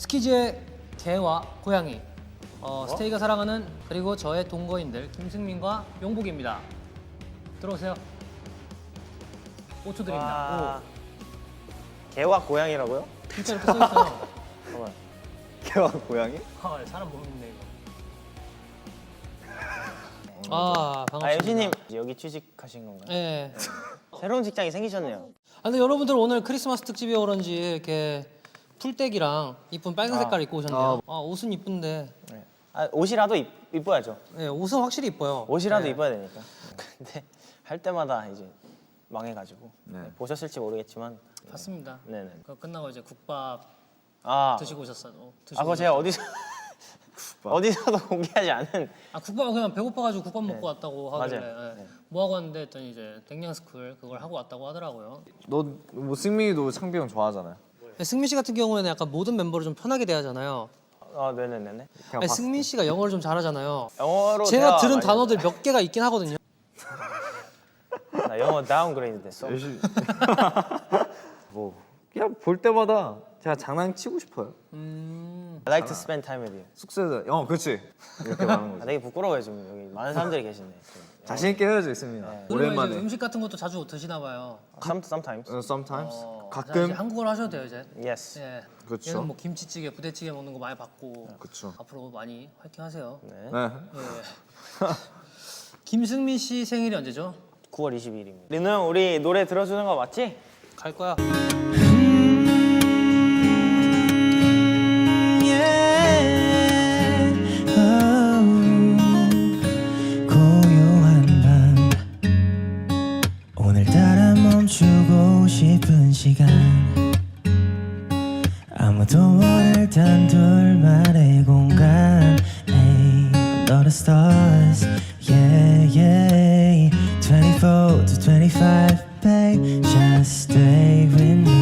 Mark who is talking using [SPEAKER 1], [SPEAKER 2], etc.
[SPEAKER 1] 스키즈의 개와 고양이, 스테이가 사랑하는 그리고 저의 동거인들 김승민과 용복입니다. 들어오세요. 5초 드립니다.
[SPEAKER 2] 개와 고양이라고요?
[SPEAKER 1] 5. 진짜 이렇게 써있어요.
[SPEAKER 2] 잠깐만.
[SPEAKER 3] 개와 고양이?
[SPEAKER 1] 사람 모르겠네 이거. 반갑습니다.
[SPEAKER 2] MC님 여기 취직하신 건가요?
[SPEAKER 1] 네.
[SPEAKER 2] 새로운 직장이 생기셨네요.
[SPEAKER 1] 근데 여러분들 오늘 크리스마스 특집이어 그런지 이렇게 풀떼기랑 이쁜 빨간 색깔 입고 오셨네요. 옷은 이쁜데.
[SPEAKER 2] 네. 옷이라도 이뻐야죠.
[SPEAKER 1] 네, 옷은 확실히 이뻐요.
[SPEAKER 2] 옷이라도
[SPEAKER 1] 네.
[SPEAKER 2] 이뻐야 되니까. 근데 할 때마다 이제 망해가지고 보셨을지 모르겠지만
[SPEAKER 1] 봤습니다.
[SPEAKER 2] 네네.
[SPEAKER 1] 그거 끝나고 이제 국밥
[SPEAKER 2] 아,
[SPEAKER 1] 드시고 오셨어요.
[SPEAKER 2] 그거 제가 어디서도 공개하지 않은.
[SPEAKER 1] 국밥은 그냥 배고파가지고 국밥 먹고 왔다고 하길래
[SPEAKER 2] 맞아요.
[SPEAKER 1] 네. 뭐 하고 왔는데 했더니 이제 댕냥스쿨 그걸 하고 왔다고 하더라고요.
[SPEAKER 3] 뭐 승민이도 창비 형 좋아하잖아요.
[SPEAKER 1] 승민 씨 같은 경우에는 약간 모든 멤버를 좀 편하게 대하잖아요.
[SPEAKER 2] 네네네네.
[SPEAKER 1] 아니, 승민 씨가 영어를 좀 잘하잖아요.
[SPEAKER 2] 영어로
[SPEAKER 1] 제가
[SPEAKER 2] 대화
[SPEAKER 1] 들은
[SPEAKER 2] 많이
[SPEAKER 1] 단어들 몇 개가 있긴 하거든요.
[SPEAKER 2] 나 영어 다운그레이드 됐어.
[SPEAKER 3] 뭐 그냥 볼 때마다 제가 장난치고 싶어요.
[SPEAKER 2] I like to spend time with you.
[SPEAKER 3] 숙소에서 그렇지 이렇게 말하는 거지.
[SPEAKER 2] 되게 부끄러워요 지금 여기 많은 사람들이 계시네.
[SPEAKER 3] 자신 있게 헤어져 있습니다.
[SPEAKER 1] 그리고
[SPEAKER 3] 오랜만에.
[SPEAKER 1] 이제 음식 같은 것도 자주 드시나 봐요.
[SPEAKER 2] Sometimes.
[SPEAKER 3] Sometimes
[SPEAKER 1] 자, 이제
[SPEAKER 3] 가끔.
[SPEAKER 1] 한국어로 하셔도 돼요 이제.
[SPEAKER 2] Yes.
[SPEAKER 1] 예.
[SPEAKER 3] 그렇죠.
[SPEAKER 1] 얘는 뭐 김치찌개, 부대찌개 먹는 거 많이 봤고.
[SPEAKER 3] 그렇죠.
[SPEAKER 1] 앞으로 많이 화이팅 하세요.
[SPEAKER 2] 네.
[SPEAKER 3] 네.
[SPEAKER 1] 예. 김승민 씨 생일이 언제죠?
[SPEAKER 2] 9월 22일입니다. 리노 형 우리 노래 들어주는 거 맞지?
[SPEAKER 1] 갈 거야.
[SPEAKER 4] 고요한 밤 오늘따라 멈추고 싶은 시간 아무도 모를 단둘만의 공간 Under the stars yeah yeah 24 to 25 babe just stay with me